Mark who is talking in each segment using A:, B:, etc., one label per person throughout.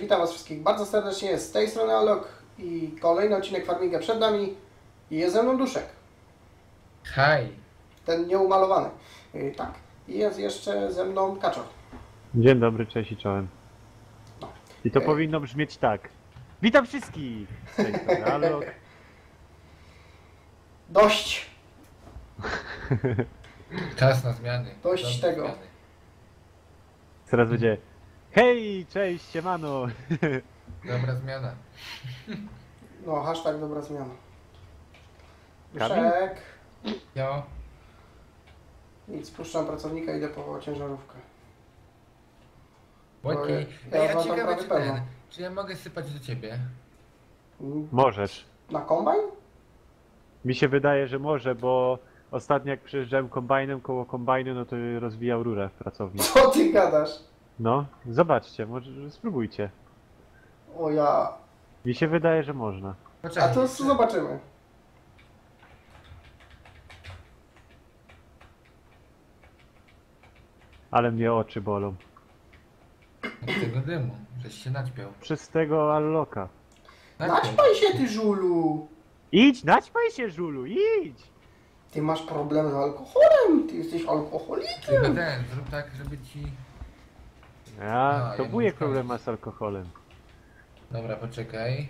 A: witam was wszystkich bardzo serdecznie, z tej strony Alok i kolejny odcinek Farminga przed nami i jest ze mną Duszek.
B: Hej.
A: Ten nieumalowany. Tak. I jest jeszcze ze mną Kaczor.
C: Dzień dobry, cześć i czołem. I to powinno brzmieć tak. Witam wszystkich! Z tej strony Alok.
A: Dość!
B: Czas na zmiany.
A: Dość
B: Czas
A: tego.
B: na zmiany.
C: Teraz będzie hej, cześć, siemano!
B: Dobra zmiana.
A: No, hashtag dobra zmiana.
C: Kamil?
A: Duszek.
B: Jo.
A: Nic, spuszczam pracownika, idę po ciężarówkę.
B: Ładnie.
A: ja
B: Ja
A: mam
B: ciekawe
A: prawie
B: czy
A: pełno.
B: czy ja mogę sypać do ciebie?
C: Możesz.
A: Na kombajn?
C: Mi się wydaje, że może, bo ostatnio jak przyjeżdżałem kombajnem koło kombajnu, no to rozwijał rurę w pracowni.
A: Co ty gadasz?
C: No, zobaczcie, może spróbujcie.
A: O ja...
C: Mi się wydaje, że można.
A: A
B: Poczekaj.
A: to zobaczymy.
C: Ale mnie oczy bolą.
B: Od tego dymu, żeś się naćpiał.
C: Przez tego Alloka.
A: Naćpaj się ty, żulu!
C: Idź, naćpaj się, żulu, idź!
A: Ty masz problem z alkoholem, ty jesteś alkoholikiem.
B: Tylko ten, zrób tak, żeby ci...
C: A, to
B: ja
C: wujek
B: muszę
C: problem
B: iść.
C: ma z alkoholem.
B: Dobra, poczekaj.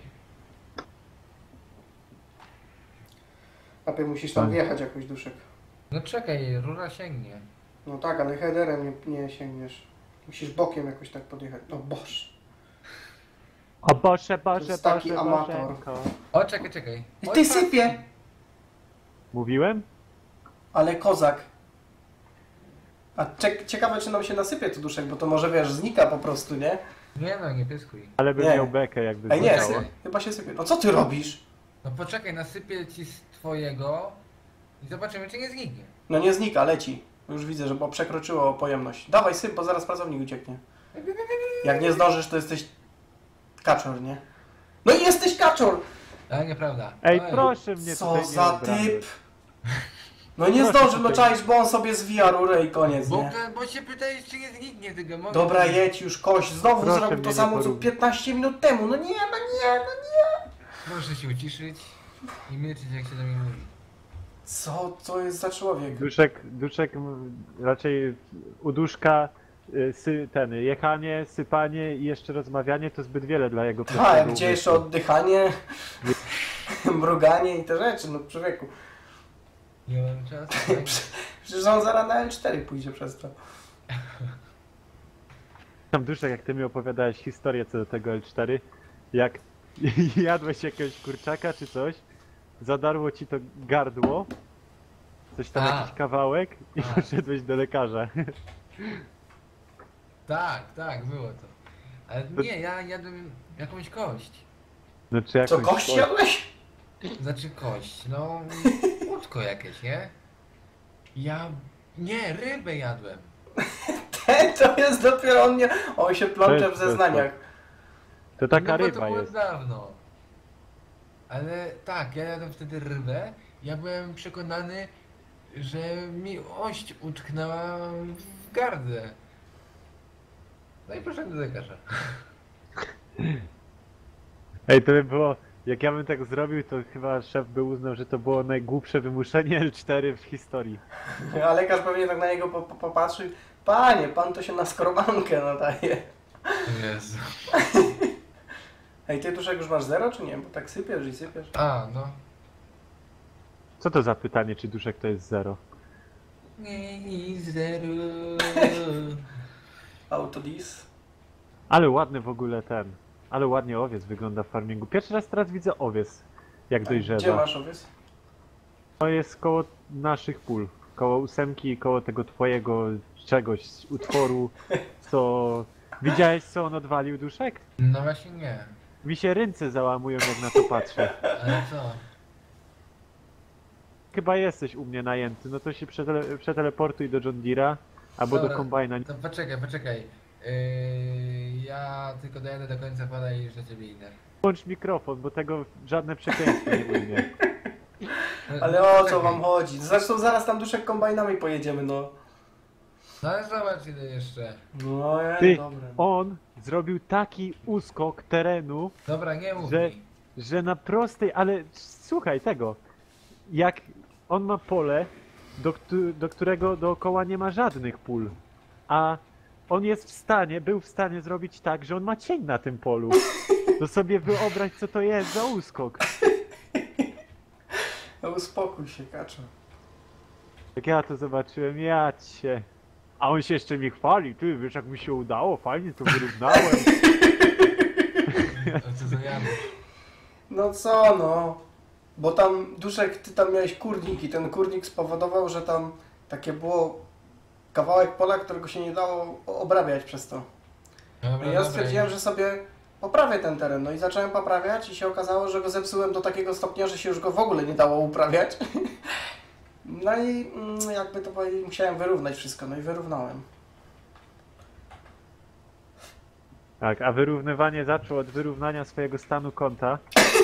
A: Papie, musisz tam
C: Tak.
A: wjechać jakoś, Duszek.
B: No czekaj, rura sięgnie.
A: No tak, ale headerem nie sięgniesz. Musisz bokiem jakoś tak podjechać. No boż.
C: O Boże,
A: To
C: Boże,
A: jest taki
C: Boże,
A: amator.
C: Bożenko.
B: O, czekaj.
A: I
B: Oj,
A: ty
B: patrz.
A: sypie!
C: Mówiłem?
A: Ale kozak. A ciekawe, czy nam się nasypie tu, Duszek, bo to może, wiesz, znika po prostu, nie?
B: Nie no, nie pyskuj.
C: Ale bym
A: Nie.
C: miał bekę, jakby
A: Ej, nie,
C: znikało.
A: chyba się sypie. No co ty robisz?
B: No poczekaj, nasypię ci z twojego i zobaczymy, czy nie zginie.
A: No nie znika, leci. Już widzę, że bo przekroczyło pojemność. Dawaj syp, bo zaraz pracownik ucieknie. Jak nie zdążysz, to jesteś kaczor, nie? No i jesteś kaczor!
B: Ale nieprawda.
C: Ej,
B: Oj.
C: proszę mnie
A: Co
C: tutaj nie
A: za
C: obrażać.
A: typ! No nie
C: Proszę
A: zdążył, no
C: tutaj.
A: czaisz, bo on sobie zwija rurę i koniec,
B: Bo,
A: nie?
B: bo się pytajesz, czy nie zginie tego. Mogę
A: Dobra, jedź już, kość. Znowu
C: Proszę
A: zrobił
C: mnie
A: to
C: nie
A: samo, co
C: porównywać.
A: 15 minut temu. No nie.
B: Proszę się uciszyć i milczyć, jak się do mnie mówi.
A: Co to jest za człowiek?
C: Duszek raczej u duszka jechanie, sypanie i jeszcze rozmawianie to zbyt wiele dla jego
A: Tak,
C: prostego
A: gdzie jeszcze
C: umysłu.
A: oddychanie, mruganie i te rzeczy, no człowieku.
B: Nie mam czasu.
A: Przecież on zaraz na L4 pójdzie przez to.
C: Tam Duszek, jak ty mi opowiadałeś historię co do tego L4, jak jadłeś jakiegoś kurczaka czy coś, zadarło ci to gardło, coś tam
B: A.
C: jakiś kawałek i
B: A.
C: poszedłeś do lekarza.
B: Tak, było to. Ale nie, ja jadłem jakąś kość.
C: No czy
A: Co,
C: jakąś
A: kość jadłeś?
B: Znaczy kość, no łódko jakieś, nie? Nie, rybę jadłem.
A: To jest dopiero on się plącze w
C: Weź,
A: zeznaniach.
C: To taka
B: no bo to
C: ryba
B: było
C: jest.
B: dawno. Ale tak, ja jadłem wtedy rybę. Ja byłem przekonany, że mi ość utknęła w gardle. No i poszedłem do lekarza.
C: Ej, to by było, jak ja bym tak zrobił, to chyba szef by uznał, że to było najgłupsze wymuszenie L4 w historii.
A: A lekarz pewnie tak na niego popatrzył. Panie, pan to się na skrobankę nadaje.
B: Jezu.
A: Ej, ty Duszek już masz 0 czy nie? Bo tak sypiesz i sypiesz.
B: A, no.
C: Co to za pytanie, czy duszek to jest 0?
B: Nie, zero.
A: Autodis.
C: Ale ładny w ogóle ale ładnie owiec wygląda w farmingu. Pierwszy raz teraz widzę owiec, jak
A: Gdzie
C: dojrzewa.
A: masz owiec?
C: To jest koło naszych pól, koło 8 i koło tego twojego czegoś, utworu, co... Widziałeś, co on odwalił, Duszek?
B: No właśnie nie.
C: Mi się ręce załamują, jak na to patrzę.
B: Ale co?
C: Chyba jesteś u mnie najęty, no to się przeteleportuj do John Deere'a, albo do
B: Dobra,
C: kombajna.
B: To poczekaj. Ja tylko dojadę do końca pola i już do ciebie idę.
C: Włącz mikrofon, bo tego żadne przekleństwo nie ujmie.
A: Ale o co wam chodzi? Zresztą zaraz tam Duszek kombajnami pojedziemy, no.
B: No ale zobacz ile jeszcze.
A: No
C: Ty,
A: dobre.
C: on zrobił taki uskok terenu,
B: Dobra, nie mów
C: Że-
B: mi.
C: że na prostej, ale słuchaj tego, jak on ma pole, do którego dookoła nie ma żadnych pól, a on jest w stanie, był w stanie zrobić tak, że on ma cień na tym polu. To sobie wyobraź, co to jest za uskok.
A: No uspokój się, kaczor.
C: Jak ja to zobaczyłem, ja cię. A on się jeszcze mi chwali, ty wiesz jak mi się udało, fajnie to wyrównałem.
B: A co za Janusz?
A: No co no? Bo tam, Duszek, ty tam miałeś kurnik i ten kurnik spowodował, że tam takie było kawałek pola, którego się nie dało obrabiać przez to.
B: Dobra,
A: I ja stwierdziłem, że sobie poprawię ten teren. No i zacząłem poprawiać i się okazało, że go zepsułem do takiego stopnia, że się już go w ogóle nie dało uprawiać. No i jakby to powiedzieć, musiałem wyrównać wszystko, no i wyrównałem.
C: Tak, a wyrównywanie zaczął od wyrównania swojego stanu konta.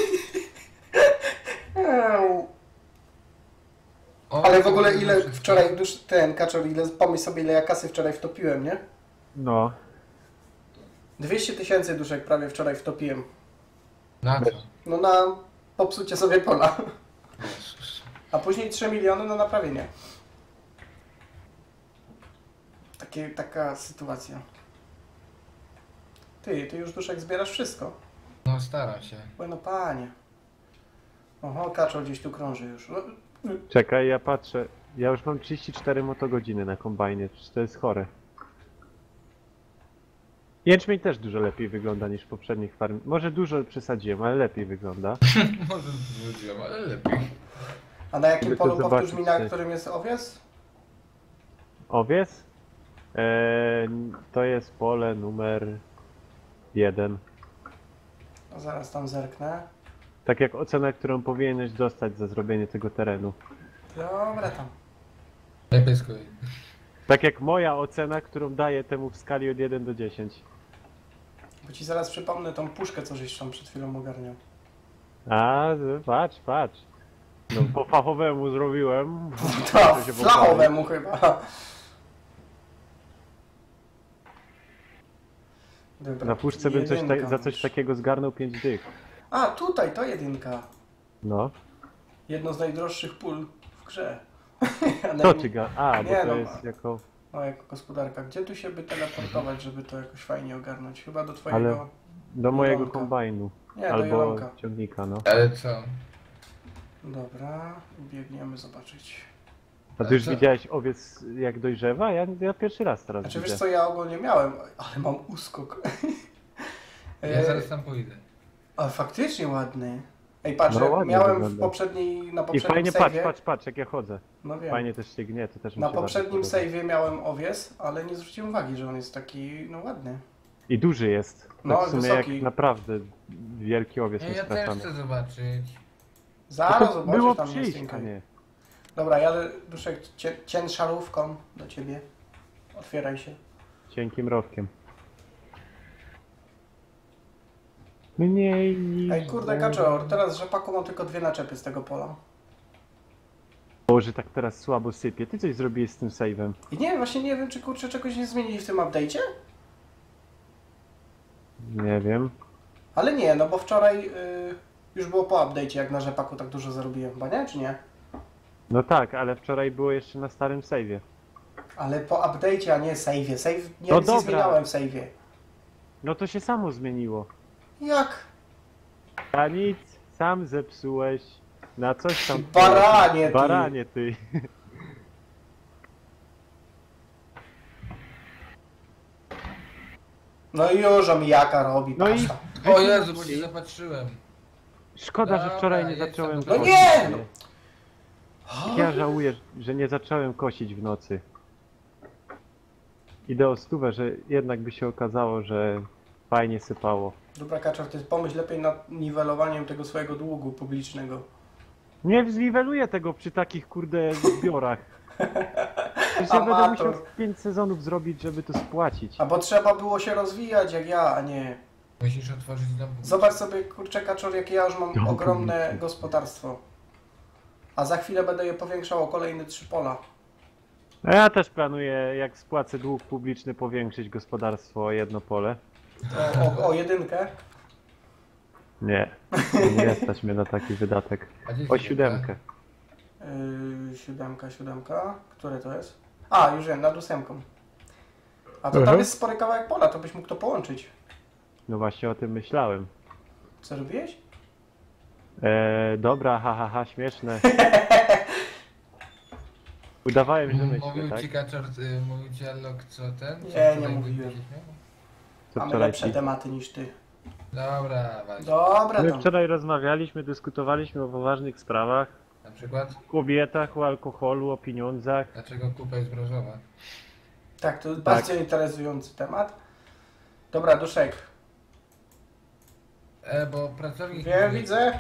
B: O,
A: Ale w ogóle ile
B: wszystko.
A: wczoraj, ten kaczor, pomyśl sobie ile ja kasy wczoraj wtopiłem, nie?
C: No,
A: 200 000 duszek prawie wczoraj wtopiłem.
B: Na co?
A: No na popsucie sobie pola.
B: Jezus.
A: A później 3 miliony na naprawienie. Taka sytuacja. Ty już duszek zbierasz wszystko.
B: No staram się.
A: Oj no panie. Oho, kaczor gdzieś tu krąży już. No,
C: czekaj, ja patrzę. Ja już mam 34 motogodziny na kombajnie, czy to jest chore. Jęczmień też dużo lepiej wygląda niż w poprzednich farm. Może dużo przesadziłem, ale lepiej wygląda.
B: Może zwróciłem, ale lepiej.
A: a na jakim
C: Żeby to
A: polu powtórz mi, na
C: zobaczyć,
A: którym jest owies?
C: Owies? To jest pole numer 1.
A: No, zaraz tam zerknę.
C: Tak jak ocena, którą powinieneś dostać za zrobienie tego terenu.
A: Dobra tam.
B: Nie pyskuj.
C: Tak jak moja ocena, którą daję temu w skali od 1 do 10.
A: Bo ci zaraz przypomnę tą puszkę, co żeś tam przed chwilą ogarniał.
C: A, patrz. No, po fachowemu zrobiłem.
A: To
C: To się
A: flachowemu chyba. Dobra,
C: Na puszce bym
A: jedynka
C: za coś
A: masz.
C: takiego zgarnął 5 dych.
A: A, tutaj, to jedynka.
C: No.
A: Jedno z najdroższych pól w grze. A
C: To ty ga... A, bo
A: Nie,
C: to
A: no,
C: jest jako...
A: No, jako gospodarka. Gdzie tu się by teleportować, żeby to jakoś fajnie ogarnąć? Chyba do twojego...
C: Do mojego
A: Jolonka.
C: kombajnu.
A: Nie, do
C: Albo
A: Jolonka.
C: ciągnika, no.
B: Ale co?
A: Dobra, biegniemy zobaczyć.
C: A ty już
B: co?
C: widziałeś owiec jak dojrzewa? Ja pierwszy raz teraz
A: Znaczy
C: widzę.
A: wiesz co, ja ogólnie miałem, ale mam uskok.
B: Ja zaraz tam pójdę.
A: A faktycznie ładny. Ej, patrz,
C: No,
A: jak
C: ładnie
A: miałem
C: wygląda.
A: na
C: I
A: poprzednim
C: fajnie,
A: save'ie,
C: patrz jak ja chodzę.
A: no wiem,
C: Fajnie też się gnie, to też mi
A: na
C: się bardzo
A: poprzednim
C: podoba.
A: save'ie miałem owies, ale nie zwróciłem uwagi, że on jest taki, no ładny.
C: I duży jest. Tak
A: No,
C: w sumie
A: wysoki.
C: jak naprawdę wielki owiec
B: Ja też
C: niestraszony.
B: chcę zobaczyć.
A: Zaraz
C: No to
A: zobaczysz,
C: było
A: tam
C: przyjść,
A: jest
C: a
A: cienko.
C: nie.
A: Dobra, jadę, Duszek, ciężarówką do ciebie. Otwieraj się.
C: Cienkim rowkiem. Mniej niż...
A: Ej, kurde, kaczor, teraz rzepaku mam tylko 2 naczepy z tego pola.
C: Boże, tak teraz słabo sypie. Ty coś zrobiłeś z tym save'em.
A: I nie, właśnie nie wiem, czy kurczę czegoś nie zmienili w tym update'cie?
C: Nie wiem.
A: Ale nie, no bo wczoraj już było po update'cie, jak na rzepaku tak dużo zarobiłem, chyba nie, czy nie?
C: No tak, ale wczoraj było jeszcze na starym save'ie.
A: Ale po update'cie, a nie save'ie. Save nie,
C: No
A: nic nie
C: dobra.
A: zmieniałem w save'ie.
C: No to się samo zmieniło.
A: Jak?
C: A nic, sam zepsułeś. Na coś tam...
A: Baranie ty.
C: Baranie ty.
A: No i już omijaka robi,
C: No i-
A: pasta.
B: O Jezu, bo się zapatrzyłem.
C: Szkoda, że
B: Dobra,
C: wczoraj nie
B: jedź
C: zacząłem
B: tam do-
A: No
C: kosić.
A: nie!
C: Ja żałuję, że nie zacząłem kosić w nocy. Idę o stówę, że jednak by się okazało, że fajnie sypało.
A: Dobra, kaczor, ty pomyśl lepiej nad niwelowaniem tego swojego długu publicznego.
C: Nie zniweluję tego przy takich kurde zbiorach. Przecież ja będę
A: Amator.
C: musiał 5 sezonów zrobić, żeby to spłacić.
A: A bo trzeba było się rozwijać jak ja, a nie...
B: Musisz otworzyć dom.
A: Zobacz sobie, kurczę, kaczor, jakie ja już mam
C: Dom
A: ogromne
C: publiczny.
A: gospodarstwo. A za chwilę będę je powiększał o kolejne 3 pola.
C: A ja też planuję, jak spłacę dług publiczny, powiększyć gospodarstwo o jedno pole.
A: O jedynkę.
C: Nie, nie stać mnie na taki wydatek.
B: A gdzie
C: O
B: jest
C: siódemkę.
A: Siódemka. Które to jest? A, już wiem, nad ósemką. A to tam jest spory kawałek pola, to byś mógł to połączyć.
C: No właśnie o tym myślałem.
A: Co robiłeś?
C: Dobra, śmieszne. Udawałem, że myślę,
B: Mówił
C: tak?
B: ci Kaczor, mówił ci Allok, co ten? Co
A: Nie,
B: wczoraj
A: nie mówiłem.
B: się śmiał?
C: Co
A: Mamy
C: wczoraj
A: lepsze
C: ci?
A: tematy niż ty.
B: Dobra, właśnie.
A: Dobra,
C: My
A: tam.
C: wczoraj rozmawialiśmy, dyskutowaliśmy o poważnych sprawach.
B: Na przykład,
C: O kobietach, o alkoholu, o pieniądzach.
B: dlaczego kupa jest brązowa?
A: Tak, to jest bardzo interesujący temat. Dobra, Duszek.
B: Bo pracownik...
A: Wiem, widzę.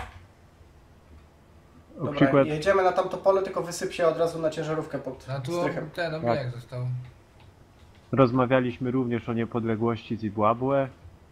C: O
A: Dobra,
C: przykład,
A: jedziemy na tamto pole, tylko wysyp się od razu na ciężarówkę pod
B: A tu
A: strychem.
B: ten
C: Tak.
B: obieg został.
C: rozmawialiśmy również o niepodległości Zimbabwe.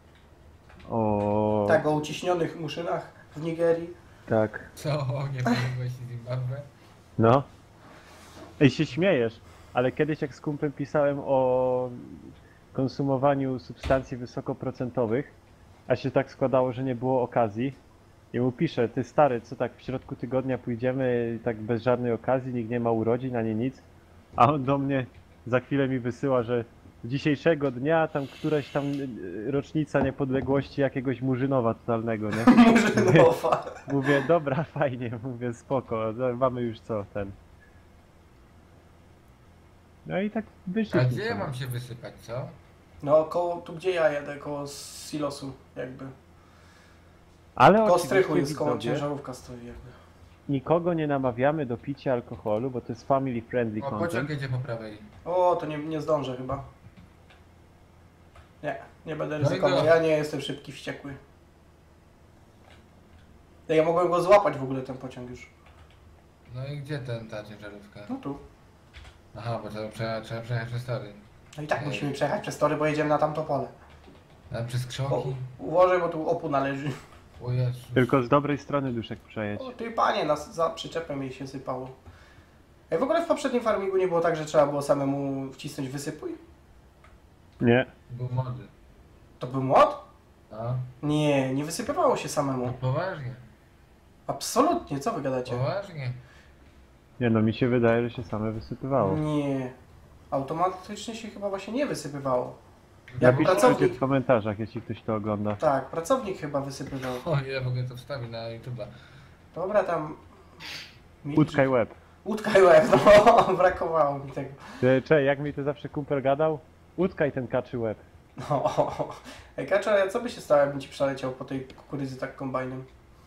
C: O...
A: Tak, o uciśnionych muszynach w Nigerii.
C: Tak.
B: Co? Niepodległości Zimbabwe?
C: No. Ej, się śmiejesz, ale kiedyś jak z kumplem pisałem o konsumowaniu substancji wysokoprocentowych, a się tak składało, że nie było okazji, i mu piszę, ty stary, co tak w środku tygodnia pójdziemy tak bez żadnej okazji, nikt nie ma urodzin ani nic, a on do mnie za chwilę mi wysyła, że dzisiejszego dnia tam któraś tam rocznica niepodległości jakiegoś Murzynowa totalnego, nie?
A: Murzynowa.
C: Mówię, dobra, fajnie, mówię, spoko, mamy już co, ten. No i tak
B: A
C: wyszliśmy.
B: gdzie ja
C: sobie.
B: mam się wysypać, co?
A: No, koło, tu gdzie ja jedę, koło silosu jakby.
C: Ale
A: Koło
C: oczywiście,
A: strychu jest, koło
C: widzowie,
A: ciężarówka stoi jakby.
C: nikogo nie namawiamy do picia alkoholu, bo to jest family friendly
B: O, pociąg
C: content.
B: jedzie po prawej.
A: O, to nie zdążę chyba. Nie będę
B: No i
A: ryzykował,
B: go.
A: ja nie jestem szybki, wściekły. Ja mogłem go złapać w ogóle ten pociąg już.
B: No i gdzie ta ciężarówka?
A: No tu.
B: Aha, bo trzeba przejechać przez tory.
A: No i tak musimy przejechać przez tory, bo jedziemy na tamto pole.
B: A przez
A: O,
B: krzoki?
A: uważaj, bo tu opór należy.
B: O Jezu.
C: Tylko z dobrej strony duszek przejedź.
A: O, ty panie, za przyczepem jej się sypało. Ej, w ogóle w poprzednim farmingu nie było tak, że trzeba było samemu wcisnąć wysypuj?
C: Nie.
B: Był młody.
A: To był młot?
B: A?
A: Nie wysypywało się
B: No
A: samemu.
B: poważnie.
A: Absolutnie, co wy gadacie?
B: Poważnie.
C: Nie no, mi się wydaje, że się same wysypywało.
A: Nie. Automatycznie się chyba właśnie nie wysypywało. Jak
C: Napiszcie
A: pracownik.
C: w komentarzach, jeśli ktoś to ogląda.
A: Tak, pracownik chyba wysypywał.
B: O, ja w ogóle to wstawię na YouTube'a.
A: Dobra, tam...
C: Łódka i łeb.
A: Łódka i łeb, no brakowało mi tego.
C: Cze, jak mi to zawsze kumpel gadał? Łódka i ten kaczy łeb.
A: No. Ej, Kaczo, a co by się stało, jakbym ci przeleciał po tej kukurydzy tak kombajnem?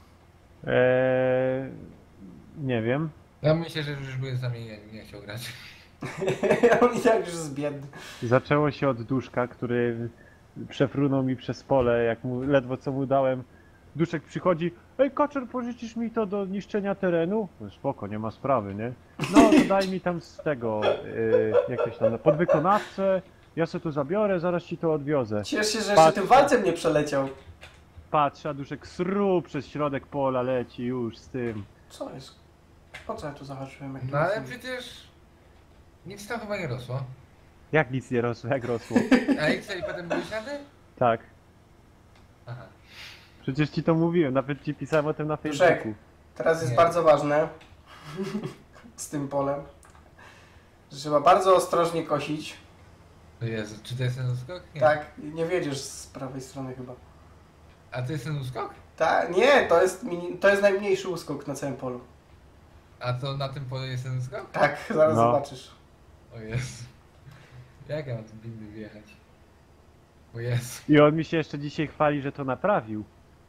C: Nie wiem.
B: Ja myślę, że już byłem z nami nie chciał grać.
A: On i tak już jest biedny.
C: Zaczęło się od duszka, który przefrunął mi przez pole, jak mu ledwo co mu dałem. Duszek przychodzi, ej Kaczer, pożyczysz mi to do niszczenia terenu? No, spoko, nie ma sprawy, nie? No to daj mi tam z tego, jak to się tam, podwykonawcę, ja sobie to zabiorę, zaraz ci to odwiozę.
A: Ciesz się, że jeszcze
C: Patrz.
A: tym walcem nie przeleciał.
C: Patrz, a duszek sru przez środek pola leci już z tym.
A: Co jest? Po co ja tu zahaczyłem? Jak
B: No ale przecież... Nic tam chyba nie rosło.
C: Jak nic nie rosło, jak rosło?
B: A i co, i potem były ślady?
C: Tak.
B: Aha.
C: Przecież ci to mówiłem, nawet ci pisałem o tym na
A: Duszek.
C: Facebooku.
A: Teraz jest
B: Nie.
A: bardzo ważne z tym polem, że trzeba bardzo ostrożnie kosić.
B: O Jezu, czy to jest ten uskok? Nie.
A: Tak, nie wiedziesz z prawej strony chyba.
B: A to jest ten uskok?
A: Tak, nie, to jest najmniejszy uskok na całym polu.
B: A to na tym polu jest ten uskok?
A: Tak, zaraz
C: No.
A: zobaczysz.
B: O Jezu. Jak ja mam tu winny wjechać? O Jezu.
C: I on mi się jeszcze dzisiaj chwali, że to naprawił.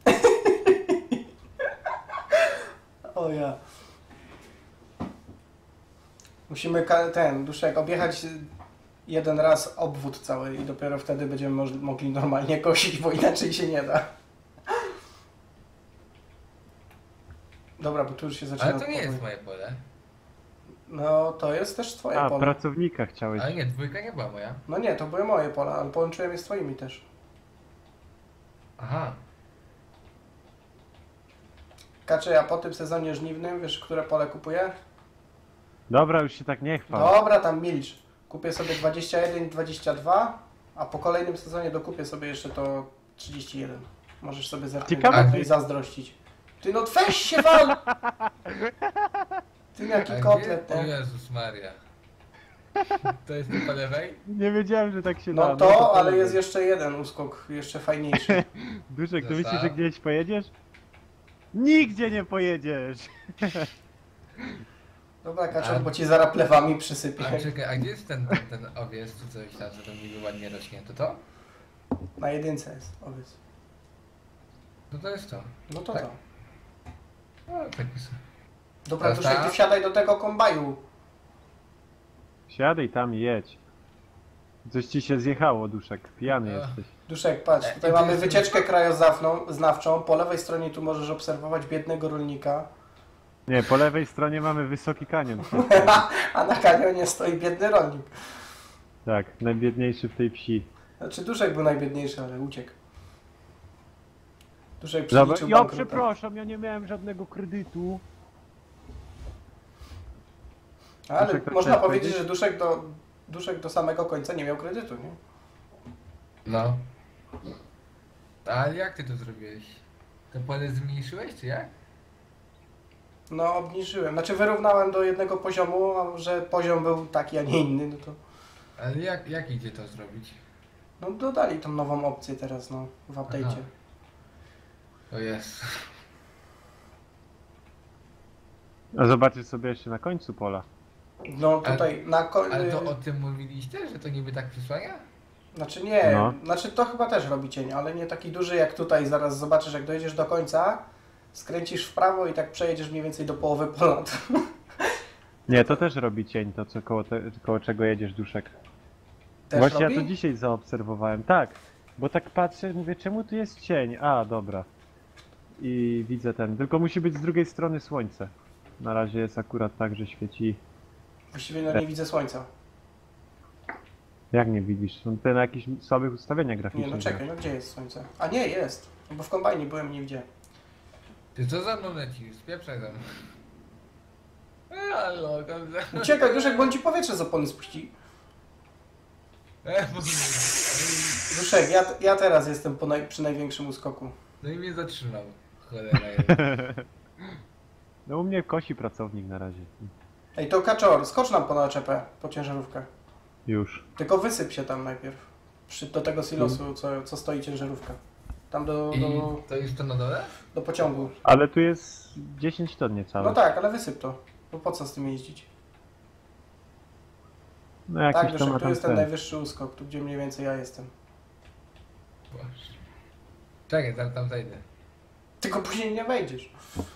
A: O ja. Musimy Duszek, objechać jeden raz obwód cały i dopiero wtedy będziemy mogli normalnie kosić, bo inaczej się nie da. Dobra, bo tu już się zaczyna...
B: Ale to nie jest
A: powoli.
B: moje pole.
A: No, to jest też twoje
C: A,
A: pole.
C: pracownika chciałeś.
B: Ale nie, dwójka nie była moja.
A: No nie, to były moje pola, ale połączyłem je z twoimi też.
B: Aha.
A: Kaczy, a po tym sezonie żniwnym, wiesz, które pole kupuję?
C: Dobra, już się tak nie chwal.
A: Dobra, tam milcz. Kupię sobie 21 i 22, a po kolejnym sezonie dokupię sobie jeszcze to 31. Możesz sobie
C: Ciekawe,
A: tutaj zazdrościć. Ty no weź się wal! Ty jaki kotlet,
B: O
A: nie?
B: Jezus Maria. To jest tu po lewej?
C: Nie wiedziałem, że tak się da.
A: No to, ale
C: powiem.
A: jest jeszcze jeden uskok, jeszcze fajniejszy.
C: Duszek, to
B: Zostaw.
C: myślisz, że gdzieś pojedziesz? Nigdzie nie pojedziesz!
A: Dobra, Kaczor, bo ci zaraz plewami przysypię.
B: A czekaj, a gdzie jest ten owiec czy coś tam, co tam niby ładnie rośnie? To?
A: Na jedynce jest, owiec.
B: No to jest to.
A: No to
B: Tak?
A: co?
B: No, tak jest.
A: Dobra,
B: Teraz
A: Duszek,
B: tak?
A: ty wsiadaj do tego kombaju.
C: Siadaj tam i jedź. Coś ci się zjechało, Duszek. Pijany
B: Ach.
C: jesteś.
A: Duszek, patrz, tutaj
B: i to
A: mamy
B: jest-
A: wycieczkę krajoznawczą. Po lewej stronie tu możesz obserwować biednego rolnika.
C: Nie, po lewej stronie mamy wysoki kanion.
A: A na kanionie stoi biedny rolnik.
C: Tak, najbiedniejszy w tej wsi.
A: Znaczy Duszek był najbiedniejszy, ale uciekł. Duszek
C: Dobra,
A: przeliczył
C: ja
A: bankruta.
C: przepraszam, ja nie miałem żadnego kredytu.
A: Ale
C: Duszek, to
A: można
C: chciałeś
A: powiedzieć,
C: powiedzieć?
A: że Duszek do samego końca nie miał kredytu, nie?
B: No. Ale jak ty to zrobiłeś? To pole zmniejszyłeś, czy jak?
A: No obniżyłem, znaczy wyrównałem do jednego poziomu, a że poziom był taki, a nie inny, no to...
B: Ale jak idzie to zrobić?
A: No dodali tą nową opcję teraz, no, w update'cie.
B: Aha. O jest.
C: A zobaczysz sobie jeszcze na końcu pola.
A: No tutaj na
B: Ale to o tym mówiliście, że to niby tak przysłania?
A: Znaczy nie,
C: No.
A: znaczy to chyba też robi cień, ale nie taki duży jak tutaj. Zaraz zobaczysz, jak dojedziesz do końca, skręcisz w prawo i tak przejedziesz mniej więcej do połowy pola.
C: Nie, to też robi cień, to co koło czego jedziesz, Duszek.
A: Też
C: Właśnie
A: robi?
C: ja to dzisiaj zaobserwowałem, tak. Bo tak patrzę, mówię, czemu tu jest cień? A, dobra. I widzę ten, tylko musi być z drugiej strony słońce. Na razie jest akurat tak, że świeci.
A: Właściwie no nie widzę słońca.
C: Jak nie widzisz? Są te na jakichś słabych ustawieniach
A: Nie,
C: graficznych.
A: no czekaj, no gdzie jest słońce? A nie, jest. No bo w kombajnie byłem i nie widziałem.
B: Ty co za mną lecisz? Spieprzaj za mną. Halo, dobrze.
A: Uciekaj, Duszek, bo on ci powietrze z opony spuści. Duszek, ja teraz jestem przy największym uskoku.
B: No i mnie zatrzymał. Cholera jest.
C: No u mnie kosi pracownik na razie.
A: Ej, to Kaczor, skocz nam po naczepę, po ciężarówkę.
C: Już.
A: Tylko wysyp się tam najpierw. Do tego silosu, co stoi ciężarówka. Tam
B: I to jest to na dole?
A: do pociągu.
C: Ale tu jest 10 ton niecałe.
A: No tak, ale wysyp to. Bo po co z tym jeździć?
C: No jakiś
A: Tak,
C: to
A: Duszek,
C: ma
A: tu
C: tam
A: jest ten
C: ten.
A: najwyższy uskok, tu gdzie mniej więcej ja jestem.
B: Boże. Czekaj, tam zejdę.
A: Tylko później nie wejdziesz.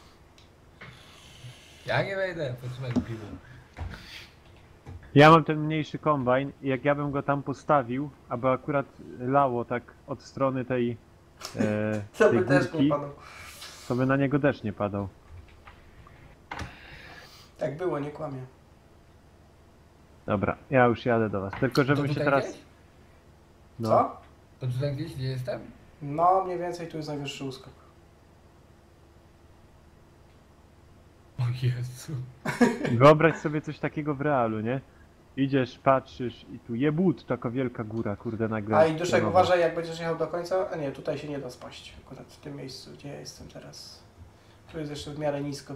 B: Ja nie wejdę, potrzymaj piwo.
C: Ja mam ten mniejszy kombajn i jak ja bym go tam postawił, aby akurat lało tak od strony tej,
A: To
C: tej
A: by też nie
C: górki,
A: padał.
C: to by na niego deszcz nie padał.
A: Tak było, nie kłamie.
C: Dobra, ja już jadę do was. Tylko żebym
B: To
C: się
B: tutaj
C: teraz...
B: gdzieś?
C: No.
A: Co?
B: To tutaj gdzieś, gdzie jestem?
A: No, mniej więcej tu jest najwyższy uskok.
B: O Jezu.
C: Wyobraź sobie coś takiego w realu, nie? Idziesz, patrzysz i tu jebut, taka wielka góra, kurde, nagle.
A: A i Duszek,
C: pionowa.
A: uważaj, jak będziesz jechał do końca. A nie, tutaj się nie da spaść. Akurat w tym miejscu, gdzie ja jestem teraz. Tu jest jeszcze w miarę nisko.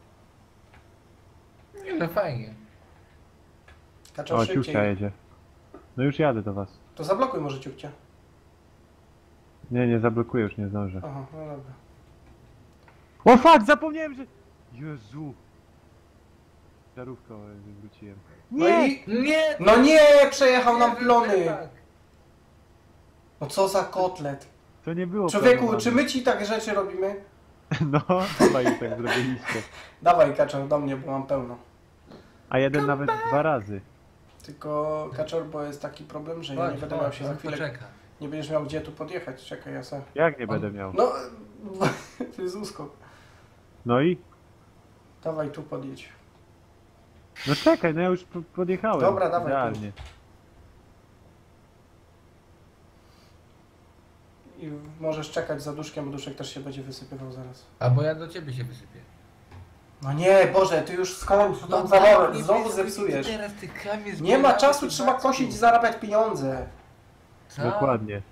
B: Nie, no fajnie.
A: Kaczor
C: O, ciuchcia
A: szybciej.
C: jedzie. No już jadę do was.
A: To zablokuj może ciupcia.
C: Nie, nie zablokuję, już nie zdążę.
A: Aha, no dobra.
C: O fuck, zapomniałem, że... Jezu. Żarówkę wywróciłem.
A: No i...
B: Nie!
A: No nie! Przejechał nam plony!
B: Tak.
A: No co za kotlet.
C: To nie było
A: Człowieku,
C: planowane.
A: czy my ci takie rzeczy robimy?
C: No, chyba już tak zrobiliście.
A: Dawaj Kaczor do mnie, bo mam pełno.
C: A jeden nawet 2 razy.
A: Tylko Kaczor, bo jest taki problem, że ja nie będę miał się za chwilę...
B: Poczeka.
A: Nie będziesz miał gdzie tu podjechać. Czekaj, ja se...
C: Jak nie będę miał?
A: No... To jest uskok.
C: No i?
A: Dawaj tu podjedź.
C: No czekaj, no ja już podjechałem.
A: Dobra, dawaj.
C: Idealnie.
A: I możesz czekać za Duszkiem, bo Duszek też się będzie wysypywał zaraz.
B: Albo ja do ciebie się wysypię.
A: No nie, Boże, ty już skończ, to tam znowu zepsujesz.
B: Teraz ty kamień
A: Nie ma
B: zbieramy,
A: czasu,
B: ty
A: trzeba
B: Maćku.
A: kosić i zarabiać pieniądze.
B: Co?
C: Dokładnie.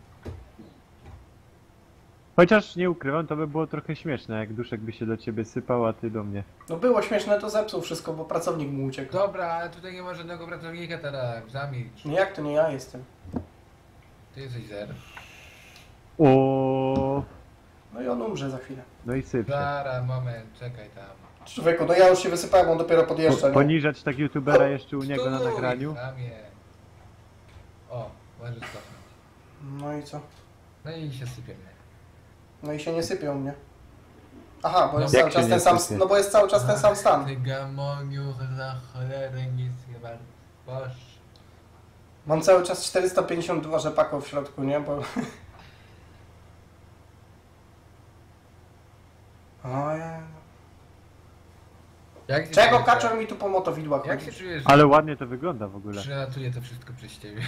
C: Chociaż nie ukrywam, to by było trochę śmieszne, jak Duszek by się do ciebie sypał, a ty do mnie.
A: No było śmieszne, to zepsuł wszystko, bo pracownik mu uciekł.
B: Dobra, ale tutaj nie ma żadnego pracownika teraz, zamilcz.
A: No jak to nie ja jestem?
B: Ty jesteś zer.
C: O,
A: No i on umrze za chwilę.
C: no i sypie.
B: Zara, moment, czekaj tam.
A: Człowieku, no ja już się wysypałem, on dopiero podjeżdża. nie?
C: Poniżać tak youtubera jeszcze u niego na
B: Stój,
C: nagraniu.
B: Kamie. O, możesz cofnąć.
A: No i co?
B: No i się sypiemy.
A: No i się nie sypią mnie. Aha, bo
B: No
A: jest
C: jak
A: cały
C: się
A: czas
C: nie
A: ten sam,
C: sypie?
A: no bo jest cały czas ten sam stan.
B: Ty gamoniu, za cholerę nic chyba. Boż.
A: Mam cały czas 452 rzepaków w środku, nie? Bo... Ojej.
B: Jak się
A: Czego
B: czujesz,
A: kaczor mi tu po motowidłach
B: Jak się
A: chodzi?
B: czujesz,
C: Ale ładnie to wygląda w ogóle.
B: przelatuje to wszystko przez ciebie?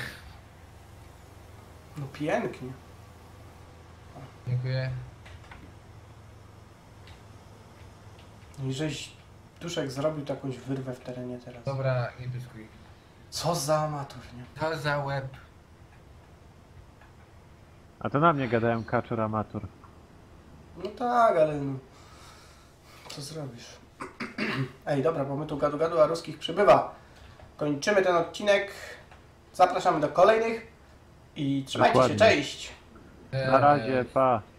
A: No pięknie.
B: Dziękuję.
A: I żeś Duszek zrobił tu jakąś wyrwę w terenie teraz.
B: Dobra, nie pyskuj.
A: Co za amator, nie?
B: To za łeb.
C: A to na mnie gadają kaczor amator.
A: No tak, ale no... Co zrobisz? Ej, dobra, bo my tu gadu, a ruskich przybywa. Kończymy ten odcinek. Zapraszamy do kolejnych. I trzymajcie się,
C: Dokładnie.
A: cześć!
C: Na razie, pa.